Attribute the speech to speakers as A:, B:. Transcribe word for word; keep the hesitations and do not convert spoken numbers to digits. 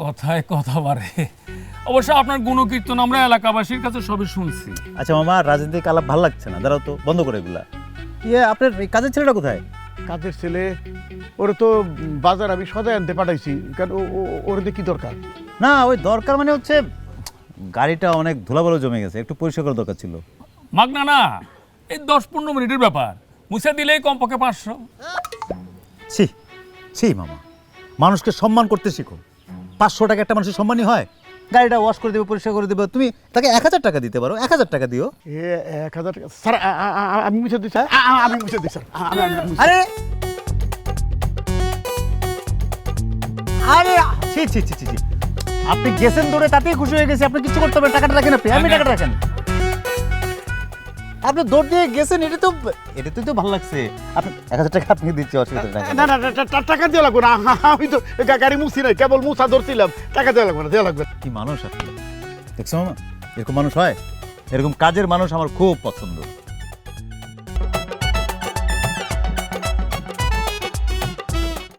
A: কথায় কথা বাড়ে। অবশ্য আপনার গুণকীর্তন আমরা এলাকাবাসীর কাছে সবই শুনছি।
B: আচ্ছা মামা, রাজনৈতিক আলাপ ভালো লাগছে না, দাঁড়াও তো, বন্ধ করে এগুলা। ইয়ে আপনার এই কাজের ছেলেটা কোথায়?
C: কাজের ছেলে ওরে তো বাজার আমি সদাই আনতে পাঠাইছি, কারণ ওর কি দরকার?
B: না ওই দরকার মানে হচ্ছে গাড়িটা অনেক ধুলাবালু জমে গেছে, একটু পরিষ্কার করার দরকার ছিল।
A: মাগনা না, এই দশ পনেরো মিনিটের ব্যাপার, মুছে দিলেই কমপক্ষে পাঁচশো।
B: ছি ছি মামা, মানুষকে সম্মান করতে শিখো। পাঁচশো টাকা একটা মানুষের সম্মানই হয়? গাড়িটা ওয়াশ করে দেবে, পরিষ্কার করে দেবে, তুমি তাকে এক হাজার টাকা দিতে পারো, এক হাজার টাকা দিও।
C: এ এক হাজার টাকা স্যার, আ- আ- আ- আমি মুছে দিই স্যার, আ- আ- আমি মুছে দিই স্যার, আ- আমি- আমি মুছে-
B: আরে আরে ছি ছি ছি ছি ছি। আপনি গেছেন দৌড়ে, তাতেই খুশি হয়ে গেছে, আপনি কিছু করতে পারেন, টাকাটা রাখেন, আপনি আমি টাকাটা রাখেন। আপনি দৌড় দিয়ে গেছেন, এটা তো এটাতেই তো ভালো লাগছে। আপনি এক হাজার টাকা আপনি দিচ্ছি, অসুবিধা নেই।
C: না না না, টা- টা- টাকা দেওয়া লাগবে না, আমি তো গা- গাড়ি মুছি নাই, কেবল মুছা ধরছিলাম, টাকা দেওয়া লাগবে না, দেওয়া লাগবে না।
B: কি মানুষ আপনি, দেখছো মামা, এরকম মানুষ হয়? এরকম কাজের মানুষ আমার খুব পছন্দ।